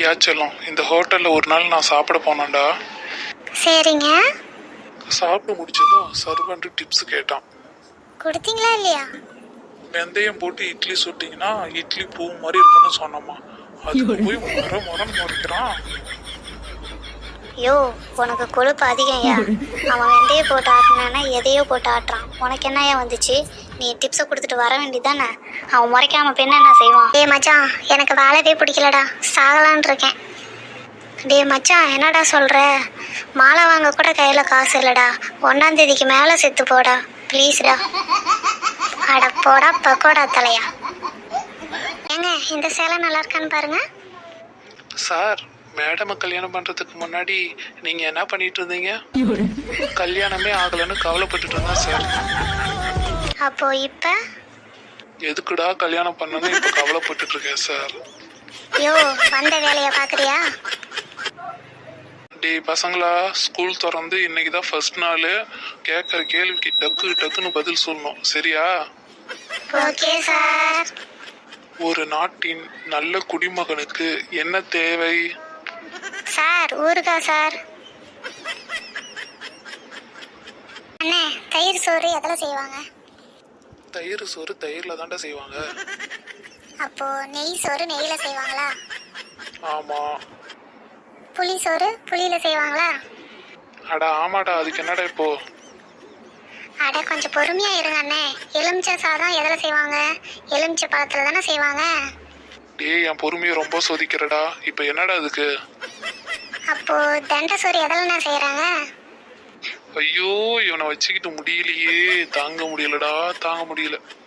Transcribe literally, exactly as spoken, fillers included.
யாச்சலம் இந்த ஹோட்டல்ல ஒரு நாள் நான் சாப்பிட போனேன்டா. சரிங்க. சாப்பிட்டு முடிச்சதும் சர்வன்ட் டிப்ஸ் கேட்டான். கொடுத்தீங்களா இல்லையா? வெந்தயம் போட்டு இட்லி சுட்டிங்கன்னா இட்லி பூ மாதிரி இருக்குன்னு சொன்னோமா. அதுக்கு போய் முறை முறை முறைக்கிறான். யோ, உனக்கு கொழுப்பு அதிகம்யா. அவன் வெந்தய போட்டு ஆட்டினானா எதையோ போட்டு ஆட்டுறான். உனக்கு என்னையா வந்துச்சு? நீ டிப்ஸை கொடுத்துட்டு வர வேண்டியதானே. அவன் முறைக்காம பெண்ண என்ன செய்வான்? டே மச்சான், எனக்கு வாழவே பிடிக்கலடா, சாகலான் இருக்கேன். டே மச்சான், என்னடா சொல்ற? மாலை வாங்க கூட கையில காசு இல்லடா. ஒன்னாம் தேதிக்கு மேல செத்து போடா ப்ளீஸ்டா. அட போடா பக்கோடா தலையா. ஏங்க, இந்த சேலை நல்லா இருக்கான்னு பாருங்க. சார், மேடமை கல்யாணம் பண்றதுக்கு முன்னாடி நீங்க என்ன பண்ணிட்டு இருந்தீங்க? கல்யாணமே ஆகலன்னு கவலைப்பட்டுட்டு இருந்தேன் சார். அப்போ இப்ப எதுக்குடா கல்யாணம் பண்ணனு இப்ப கவலைப்பட்டுட்டு இருக்கேன் சார். யோ, வந்த வேலைய பாக்குறியா? டே பசங்களா, ஸ்கூல் திறந்து இன்னைக்குதான் ஃபர்ஸ்ட் நாள். கேட்கற கேள்விக்கு டக்கு டக்குன்னு பதில் சொல்லணும், சரியா? Okay sir. ஒரு நாட்டின் நல்ல குடிமகனுக்கு என்ன தேவை? சார், ஊருக்கா சார். அண்ணே, தயிர் சோறு எதில் செய்வாங்க? தயிர் சோறு தயிர்ல தாண்டா செய்வாங்க. அப்போ நெய் சோறு நெய்யில செய்வாங்களா? ஆமா. புளி சோறு புளியில செய்வாங்களா? அட ஆமாடா, அதுக்கு என்னடா இப்போ? அட கொஞ்சம் பொறுமையா இருங்க அண்ணே. எலுமிச்சை சாதம் எதில் செய்வாங்க? எலுமிச்சை பழத்துல தானே செய்வாங்க. டேய், என் பொறுமையை ரொம்ப சோதிக்கிறடா. இப்ப என்னடா அதுக்கு? அப்போ தண்டை சோறு எதில்ண்ணே செய்யறாங்க? ஐயோ, இவனை வச்சுக்கிட்டு முடியலையே, தாங்க முடியலடா, தாங்க முடியல.